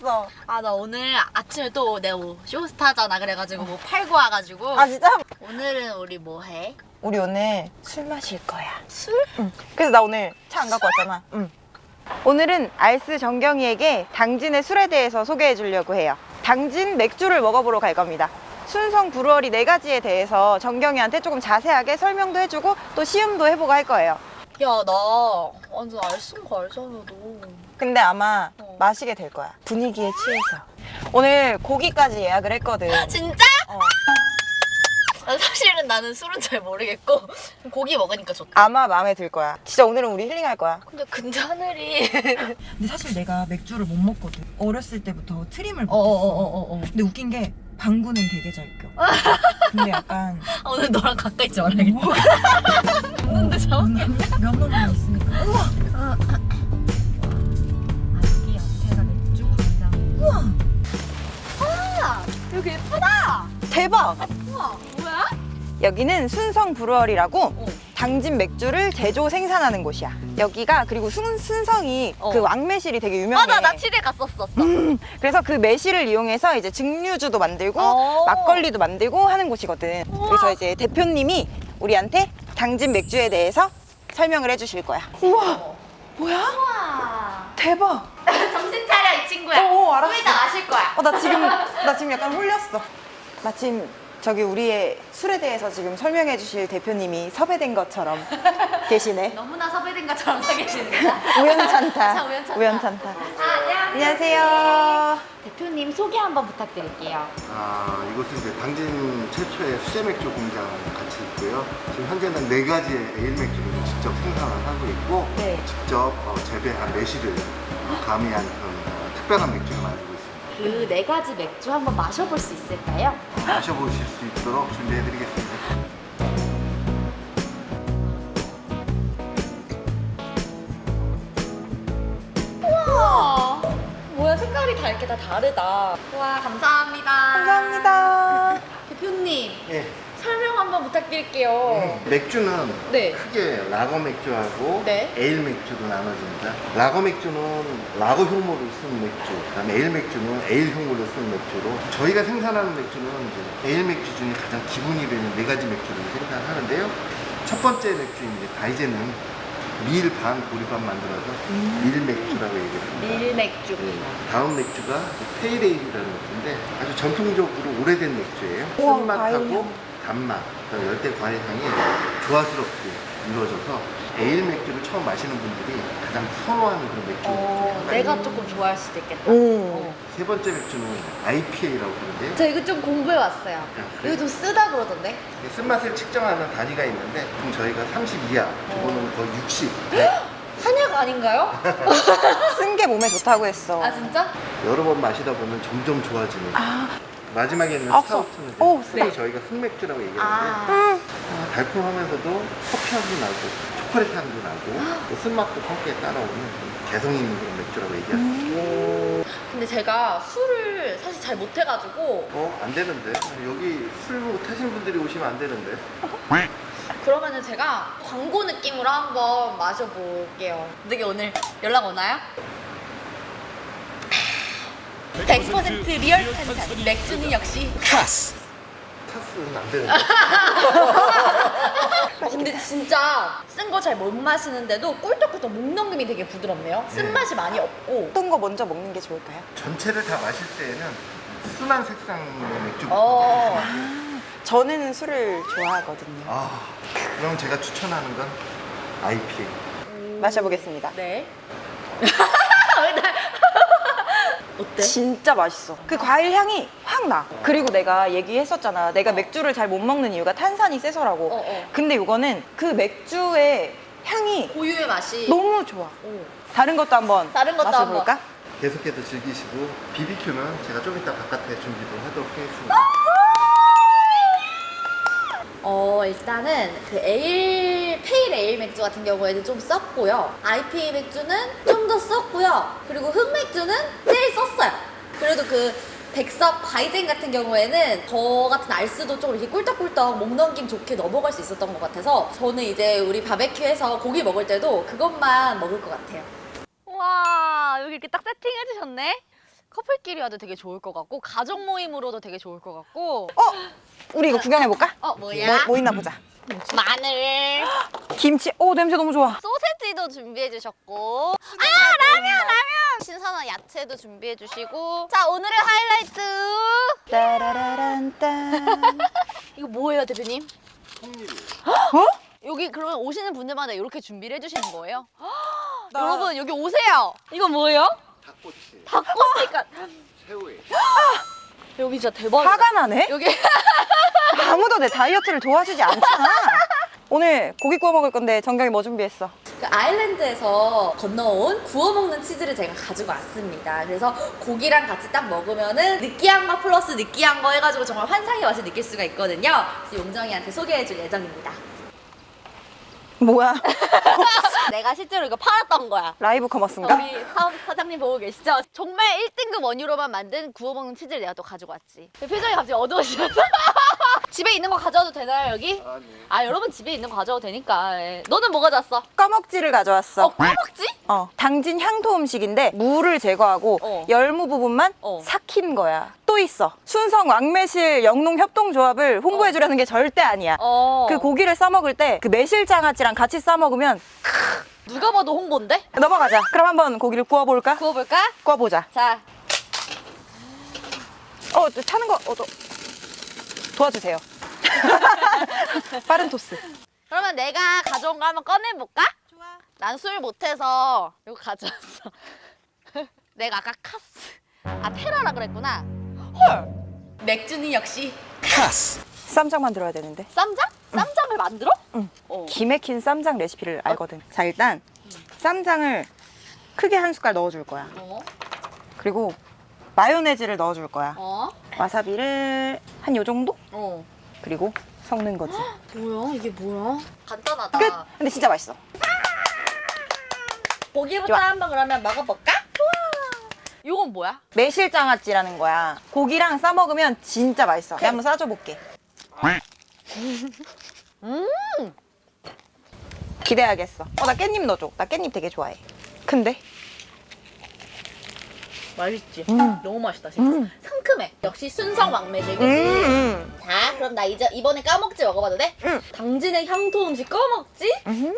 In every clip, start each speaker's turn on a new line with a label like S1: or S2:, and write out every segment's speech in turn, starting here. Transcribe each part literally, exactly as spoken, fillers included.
S1: 왔어?
S2: 아, 나 오늘 아침에 또 내가 뭐 쇼스타잖아. 그래가지고 뭐 팔고 와가지고.
S1: 아 진짜?
S2: 오늘은 우리 뭐 해?
S1: 우리 오늘 술 마실 거야.
S2: 술?
S1: 응. 그래서 나 오늘 차 안 갖고 왔잖아. 응. 오늘은 알스 정경이에게 당진의 술에 대해서 소개해 주려고 해요. 당진 맥주를 먹어보러 갈 겁니다. 순성 브루어리 네 가지에 대해서 정경이한테 조금 자세하게 설명도 해주고 또 시음도 해보고 할 거예요.
S2: 야, 나 완전 알쓴 거 알잖아, 너.
S1: 근데 아마
S2: 어.
S1: 마시게 될 거야. 분위기에 취해서. 오늘 고기까지 예약을 했거든.
S2: 진짜?
S1: 어.
S2: 아, 사실은 나는 술은 잘 모르겠고 고기 먹으니까 좋다.
S1: 아마 마음에 들 거야. 진짜 오늘은 우리 힐링할 거야.
S2: 근데 근데 하늘이
S1: 근데 사실 내가 맥주를 못 먹거든. 어렸을 때부터 트림을 못했어.
S2: 어어어어어.
S1: 근데 웃긴 게 방구는 되게 잘 껴. 근데 약간
S2: 아, 오늘 너랑 가까이 있지 말아야겠다. 먹는데 저?
S1: 면허는 있으니까. 우와.
S2: 아, 여기 옆에가 맥주 광장.
S1: 우와.
S2: 아, 여기 예쁘다.
S1: 대박.
S2: 우와, 뭐야?
S1: 여기는 순성 브루어리라고
S2: 어.
S1: 당진 맥주를 제조 생산하는 곳이야. 여기가 그리고 순, 순성이
S2: 어.
S1: 그 왕매실이 되게 유명해.
S2: 맞아, 나 치대 갔었었어.
S1: 음, 그래서 그 매실을 이용해서 이제 증류주도 만들고
S2: 어.
S1: 막걸리도 만들고 하는 곳이거든.
S2: 우와.
S1: 그래서 이제 대표님이 우리한테 당진 맥주에 대해서 설명을 해주실 거야. 우와, 뭐야?
S2: 우와.
S1: 대박.
S2: 정신 차려, 이 친구야.
S1: 어, 어, 알았어.
S2: 좀 이따 마실 거야.
S1: 어, 나 지금 나 지금 약간 홀렸어. 마침 저기 우리의 술에 대해서 지금 설명해 주실 대표님이 섭외된 것처럼 계시네.
S2: 너무나 섭외된 것처럼 서 계시는구나.
S1: 우연찮다.
S2: 참 우연찮다.
S1: 우연찮다.
S2: 아, 안녕하세요.
S1: 안녕하세요.
S2: 대표님 소개 한번 부탁드릴게요.
S3: 아, 이곳은 이제 당진 최초의 수제 맥주 공장 같이 있고요. 지금 현재는 네 가지의 에일 맥주를 직접 생산을 하고 있고,
S1: 네.
S3: 직접 어, 재배한 매실을 어, 가미한 그런 어, 특별한 맥주를 만들고 있습니다.
S2: 그 네 가지 맥주 한번 마셔볼 수 있을까요?
S3: 마셔보실 수 있도록 준비해드리겠습니다.
S2: 우와, 뭐야, 색깔이 다 이렇게 다 다르다. 와, 감사합니다.
S1: 감사합니다.
S2: 대표님,
S3: 예.
S2: 설명 한번 부탁드릴게요.
S3: 맥주는
S2: 네.
S3: 크게 라거 맥주하고
S2: 네.
S3: 에일 맥주로 나눠집니다. 라거 맥주는 라거 효모를 쓴 맥주, 그다음에 에일 맥주는 에일 효모를 쓴 맥주로, 저희가 생산하는 맥주는 이제 에일 맥주 중에 가장 기본이 되는 네 가지 맥주를 생산하는데요. 첫 번째 맥주인 이제 다이제는 밀 반, 보리 반 만들어서 밀 맥주라고 얘기합니다.
S2: 밀 맥주.
S3: 네. 다음 맥주가 페이레일이라는 맥주인데 아주 전통적으로 오래된 맥주예요.
S1: 우와,
S3: 쓴맛하고
S1: 과일향.
S3: 단맛, 그다음에 열대 과일 향이 조화스럽게 이루어져서 에일 맥주를 처음 마시는 분들이 가장 선호하는 그런 맥주.
S2: 어,
S3: 중에
S2: 내가
S3: 하나예요.
S2: 조금 좋아할 수도 있겠다.
S1: 음.
S2: 어.
S3: 세 번째 맥주는 아이피에이라고 부르는데요.
S2: 저 이거 좀 공부해 왔어요.
S3: 그래요?
S2: 이거 좀 쓰다 그러던데.
S3: 쓴맛을 측정하는 단위가 있는데 보통 저희가 삼십 이하, 저거는 거의 육십.
S2: 한약 아닌가요?
S1: 쓴 게 몸에 좋다고 했어.
S2: 아, 진짜?
S3: 여러 번 마시다 보면 점점 좋아지는.
S1: 아,
S3: 마지막에 있는
S1: 아,
S3: 스타우트는 이제
S1: 오,
S3: 특히
S1: 네.
S3: 저희가 흑맥주라고 얘기하는데
S2: 아.
S1: 음.
S3: 아, 달콤하면서도 커피 향도 나고 초콜릿 향도 나고 또 쓴맛도 함께 따라오는 개성 있는 그런 맥주라고 얘기할 수 있어요.
S2: 근데 제가 술을 사실 잘 못해가지고
S3: 어? 안 되는데? 여기 술 못하시는 분들이 오시면 안 되는데?
S2: 그러면은 제가 광고 느낌으로 한번 마셔볼게요. 어떻게 오늘 연락 오나요? 백 퍼센트 리얼 탄산 맥주는 역시 카스.
S3: 카스는 안 되는데?
S2: 어, 근데 진짜 쓴 거 잘 못 마시는데도 꿀떡꿀떡 목 넘김이 되게 부드럽네요. 쓴맛이 많이 없고.
S1: 어떤 거 먼저 먹는 게 좋을까요?
S3: 전체를 다 마실 때에는 순한 색상의 맥주.
S2: 어.
S1: 저는 술을 좋아하거든요.
S3: 아, 그럼 제가 추천하는 건 아이피에이.
S1: 마셔보겠습니다.
S2: 네. 왜 나- 어때?
S1: 진짜 맛있어. 그 과일 향이 확 나. 그리고 내가 얘기했었잖아. 내가 맥주를 잘 못 먹는 이유가 탄산이 세서라고.
S2: 어, 어.
S1: 근데 이거는 그 맥주의 향이
S2: 고유의 맛이.
S1: 너무 좋아.
S2: 오.
S1: 다른 것도 한번
S2: 다른 것도
S1: 마셔볼까?
S3: 계속해서 즐기시고 비비큐는 제가 좀 이따 바깥에 준비도 하도록 하겠습니다.
S2: 어, 일단은 그 에일, 페일 에일 맥주 같은 경우에는 좀 썼고요. 아이피에이 맥주는 좀 더 썼고요. 그리고 흑맥주는 제일 썼어요. 그래도 그 백석 바이젠 같은 경우에는 저 같은 알스도 좀 이렇게 꿀떡꿀떡 목 넘김 좋게 넘어갈 수 있었던 것 같아서 저는 이제 우리 바베큐에서 고기 먹을 때도 그것만 먹을 것 같아요. 와, 여기 이렇게 딱 세팅해 주셨네. 커플끼리 와도 되게 좋을 것 같고 가족 모임으로도 되게 좋을 것 같고.
S1: 어? 우리 이거 구경해볼까?
S2: 어
S1: 뭐,
S2: 뭐야?
S1: 뭐 있나 보자.
S2: 마늘,
S1: 김치. 오, 냄새 너무 좋아.
S2: 소세지도 준비해 주셨고. 아 라면 라면. 신선한 야채도 준비해 주시고. 자 오늘의 하이라이트.
S1: 따라라란딴.
S2: 이거 뭐예요 대표님?
S3: 통밀이에요.
S1: 어?
S2: 여기 그러면 오시는 분들마다 이렇게 준비를 해주시는 거예요?
S1: 나-
S2: 여러분 여기 오세요. 이거 뭐예요?
S3: 닭꼬치,
S2: 닭꼬치가
S3: 새우에.
S2: 여기 진짜 대박이다.
S1: 화가 나네?
S2: 여기
S1: 아무도 내 다이어트를 도와주지 않잖아. 오늘 고기 구워 먹을 건데 정경이 뭐 준비했어?
S2: 그 아일랜드에서 건너온 구워 먹는 치즈를 제가 가지고 왔습니다. 그래서 고기랑 같이 딱 먹으면은 느끼한 거 플러스 느끼한 거 해가지고 정말 환상의 맛을 느낄 수가 있거든요. 그래서 용정이한테 소개해줄 예정입니다.
S1: 뭐야?
S2: 내가 실제로 이거 팔았던 거야.
S1: 라이브 커머스인가?
S2: 우리 사업 사장님 보고 계시죠? 정말 일 등급 원유로만 만든 구워 먹는 치즈를 내가 또 가지고 왔지. 표정이 갑자기 어두워지면서 집에 있는 거 가져와도 되나요 여기?
S3: 아, 네.
S2: 아 여러분 집에 있는 거 가져와도 되니까. 예. 너는 뭐 가져왔어?
S1: 꺼먹지를 가져왔어.
S2: 어 꺼먹지?
S1: 어, 당진 향토 음식인데 무를 제거하고
S2: 어.
S1: 열무 부분만
S2: 어.
S1: 삭힌 거야. 또 있어. 순성 왕매실 영농 협동조합을 홍보해 주려는 게 절대 아니야.
S2: 어.
S1: 그 고기를 싸 먹을 때 그 매실장아찌랑 같이 싸 먹으면
S2: 누가 봐도 홍보인데?
S1: 넘어가자. 그럼 한번 고기를 구워 볼까?
S2: 구워볼까?
S1: 구워보자.
S2: 자,
S1: 어, 저 타는 거 어, 도, 도와주세요. 빠른 토스.
S2: 그러면 내가 가져온 거 한번 꺼내볼까?
S1: 좋아.
S2: 난 술 못해서 이거 가져왔어. 내가 아까 카스, 아 테라라 그랬구나. 헐, 맥주는 역시
S1: 쌈장 만들어야 되는데.
S2: 쌈장? 쌈장을 만들어?
S1: 응.
S2: 어.
S1: 기맥힌 쌈장 레시피를 알거든. 자, 일단 쌈장을 크게 한 숟갈 넣어줄 거야.
S2: 어?
S1: 그리고 마요네즈를 넣어줄 거야.
S2: 어?
S1: 와사비를 한 요 정도?
S2: 어.
S1: 그리고 섞는 거지.
S2: 뭐야? 이게 뭐야? 간단하다.
S1: 끝! 근데 진짜 맛있어.
S2: 고기부터
S1: 좋아.
S2: 한번 그러면 먹어볼까? 좋아. 이건 뭐야?
S1: 매실장아찌라는 거야. 고기랑 싸 먹으면 진짜 맛있어. 내가 한번 싸줘 볼게.
S2: 음.
S1: 기대하겠어. 어, 나 깻잎 넣어줘. 나 깻잎 되게 좋아해. 근데
S2: 맛있지?
S1: 음.
S2: 너무 맛있다 진짜.
S1: 음.
S2: 상큼해. 역시 순성 왕매실.
S1: 음, 음.
S2: 자, 그럼 나 이제 이번에 까먹지 먹어봐도 돼?
S1: 응.
S2: 당진의 향토 음식 까먹지?
S1: 음.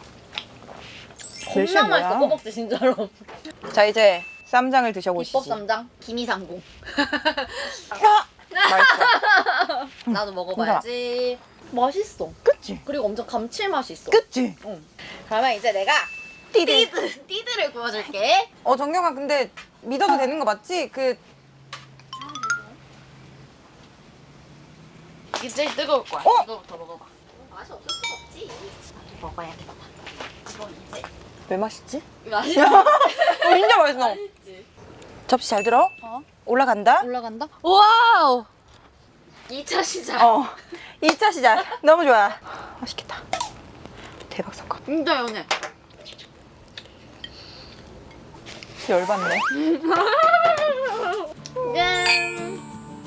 S1: 매실
S2: 겁나
S1: 뭐야?
S2: 맛있어 까먹지 진짜로.
S1: 자, 이제 쌈장을 드셔보시지.
S2: 비법 쌈장 김이상궁.
S1: 야! 맛있어.
S2: 나도 먹어봐야지. 맛있어.
S1: 그치?
S2: 그리고 엄청 감칠맛이 있어.
S1: 그치?
S2: 응. 그러면 이제 내가
S1: 띠드.
S2: 띠드 띠드를 구워줄게.
S1: 어, 정경아, 근데 믿어도 되는 거 맞지? 그,
S2: 이게 제일 뜨거울 거야.
S1: 어?
S2: 이거부터 먹어봐. 맛이 없을 수가 없지. 나도 먹어야겠다. 이거 이제
S1: 왜 맛있지?
S2: 맛이
S1: 어, 진짜 맛있어.
S2: 맛있지.
S1: 접시 잘 들어?
S2: 어?
S1: 올라간다?
S2: 올라간다. 와우. 이 차 시작.
S1: 어. 이 차 시작. 너무 좋아. 맛있겠다. 대박 사건.
S2: 진짜 연해.
S1: 열받네.
S2: 짠.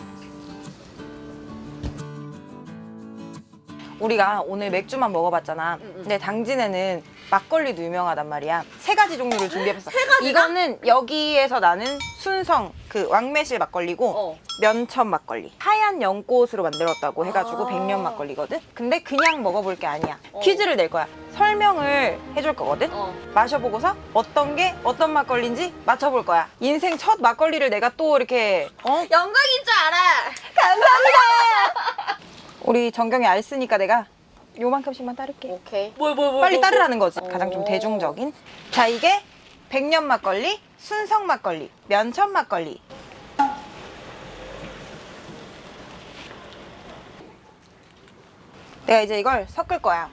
S1: 우리가 오늘 맥주만 먹어봤잖아.
S2: 응, 응.
S1: 근데 당진에는 막걸리도 유명하단 말이야. 세 가지 종류를 준비해봤어.
S2: 세 가지나?
S1: 이거는 여기에서 나는 순성 그 왕매실 막걸리고
S2: 어.
S1: 면천 막걸리. 하얀 연꽃으로 만들었다고 해가지고
S2: 아.
S1: 백년 막걸리거든. 근데 그냥 먹어볼 게 아니야.
S2: 어.
S1: 퀴즈를 낼 거야. 설명을 해줄 거거든.
S2: 어.
S1: 마셔보고서 어떤 게 어떤 막걸리인지 맞춰볼 거야. 인생 첫 막걸리를 내가 또 이렇게 어?
S2: 영광인 줄 알아.
S1: 감사합니다. 우리 정경이 알 쓰니까 내가 요만큼씩만 따를게.
S2: 오케이. 뭘, 뭘, 뭘,
S1: 빨리
S2: 뭘,
S1: 따르라는 거지.
S2: 오.
S1: 가장 좀 대중적인. 자, 이게 백년 막걸리, 순성 막걸리, 면천 막걸리. 내가 이제 이걸 섞을 거야.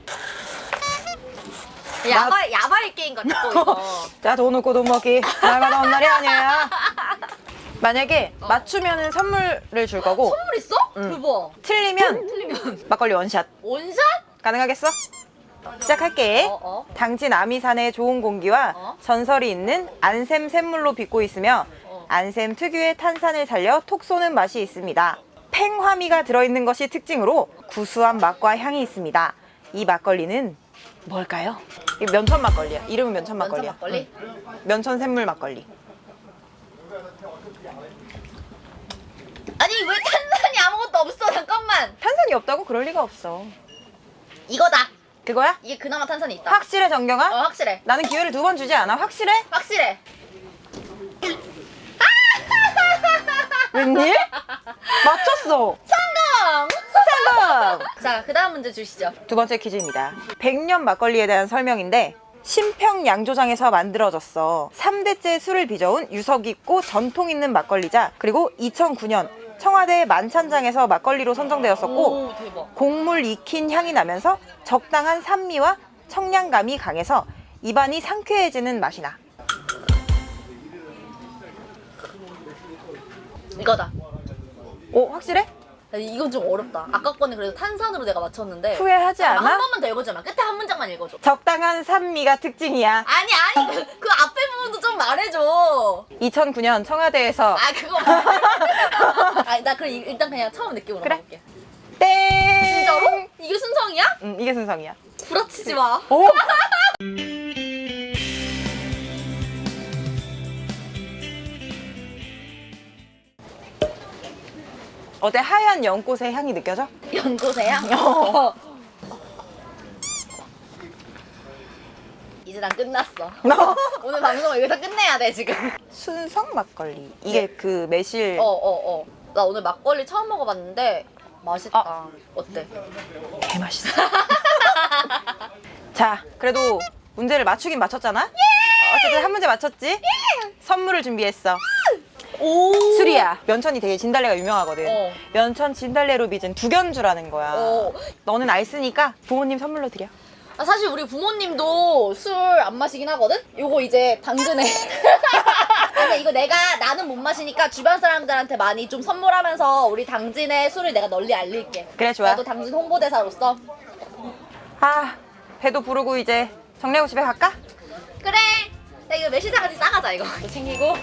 S2: 야발, 야발 게임 같아, 또 이거.
S1: 자, 돈 없고 돈 먹기. 날마다 온 날이 아니야. 만약에
S2: 어.
S1: 맞추면은 선물을 줄 거고
S2: 선물 있어?
S1: 응.
S2: 대박.
S1: 틀리면
S2: 틀리면.
S1: 막걸리 원샷.
S2: 원샷?
S1: 가능하겠어? 시작할게.
S2: 어, 어.
S1: 당진 아미산의 좋은 공기와
S2: 어?
S1: 전설이 있는 안샘 샘물로 빚고 있으며
S2: 어.
S1: 안샘 특유의 탄산을 살려 톡 쏘는 맛이 있습니다. 팽화미가 들어있는 것이 특징으로 구수한 맛과 향이 있습니다. 이 막걸리는 뭘까요? 이 면천 막걸리야. 이름은 면천 막걸리야.
S2: 면천 막걸리?
S1: 응. 면천 샘물 막걸리.
S2: 아니 왜 탄산이 아무것도 없어? 잠깐만.
S1: 탄산이 없다고? 그럴 리가 없어.
S2: 이거다.
S1: 그거야?
S2: 이게 그나마 탄산이 있다.
S1: 확실해, 정경아?
S2: 어 확실해.
S1: 나는 기회를 두 번 주지 않아. 확실해?
S2: 확실해.
S1: 웬일? 맞췄어.
S2: 성공.
S1: 성공!
S2: 자, 그 다음 문제 주시죠.
S1: 두 번째 퀴즈입니다. 백년 막걸리에 대한 설명인데 신평 양조장에서 만들어졌어. 삼 대째 술을 빚어온 유서 깊고 전통 있는 막걸리자. 그리고 이천구 년 청와대 만찬장에서 막걸리로 선정되었었고
S2: 오, 대박.
S1: 곡물 익힌 향이 나면서 적당한 산미와 청량감이 강해서 입안이 상쾌해지는 맛이 나.
S2: 이거다.
S1: 오, 확실해?
S2: 이건 좀 어렵다. 아까 거는 그래도 탄산으로 내가 맞췄는데.
S1: 후회하지
S2: 잠깐만,
S1: 않아?
S2: 한 번만 더 읽어줘봐. 끝에 한 문장만 읽어줘.
S1: 적당한 산미가 특징이야.
S2: 아니 아니 그, 그 앞에 부분도 좀 말해줘.
S1: 이천구 년 청와대에서
S2: 아 그거 말해. 아니 나 그럼 이- 일단 그냥 처음 느낌으로
S1: 그래.
S2: 가볼게.
S1: 땡!
S2: 진짜로? 이게 순성이야?
S1: 응, 이게 순성이야.
S2: 구라치지 마.
S1: 오! 어때? 하얀 연꽃의 향이 느껴져?
S2: 연고세요?
S1: 어.
S2: 이제 난 끝났어. 오늘 방송 여기서 끝내야 돼 지금.
S1: 순성 막걸리. 이게 그 매실.
S2: 어어 어. 나 오늘 막걸리 처음 먹어봤는데 맛있다.
S1: 아.
S2: 어때?
S1: 개 맛있어. 자, 그래도 문제를 맞추긴 맞췄잖아? 어쨌든 한 문제 맞췄지? 선물을 준비했어.
S2: 오.
S1: 술이야. 면천이 되게 진달래가 유명하거든.
S2: 어.
S1: 면천 진달래로 빚은 두견주라는 거야.
S2: 어.
S1: 너는 알쓰니까 부모님 선물로 드려.
S2: 아, 사실 우리 부모님도 술 안 마시긴 하거든? 요거 이제 당근에. 아니, 이거 내가, 나는 못 마시니까 주변 사람들한테 많이 좀 선물하면서 우리 당진의 술을 내가 널리 알릴게.
S1: 그래, 좋아.
S2: 나도 당진 홍보대사로서.
S1: 아, 배도 부르고 이제 정리하고 집에 갈까?
S2: 그래! 야, 이거 매실장아찌 싸가자, 이거. 이거 챙기고.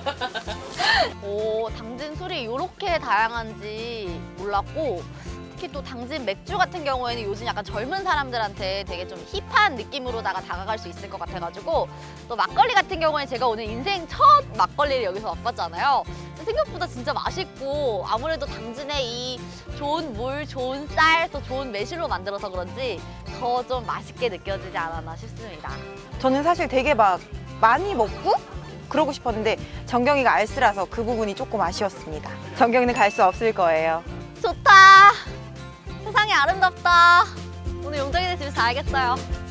S2: 오, 당진 술이 이렇게 다양한지 몰랐고, 특히 또 당진 맥주 같은 경우에는 요즘 약간 젊은 사람들한테 되게 좀 힙한 느낌으로다가 다가갈 수 있을 것 같아가지고, 또 막걸리 같은 경우에 제가 오늘 인생 첫 막걸리를 여기서 맛봤잖아요. 생각보다 진짜 맛있고, 아무래도 당진의 이 좋은 물, 좋은 쌀, 또 좋은 매실로 만들어서 그런지 더 좀 맛있게 느껴지지 않았나 싶습니다.
S1: 저는 사실 되게 막 많이 먹고 그러고 싶었는데 정경이가 알쓰라서 그 부분이 조금 아쉬웠습니다. 정경이는 갈 수 없을 거예요.
S2: 좋다. 세상이 아름답다. 오늘 용정이네 집에서 자야겠어요.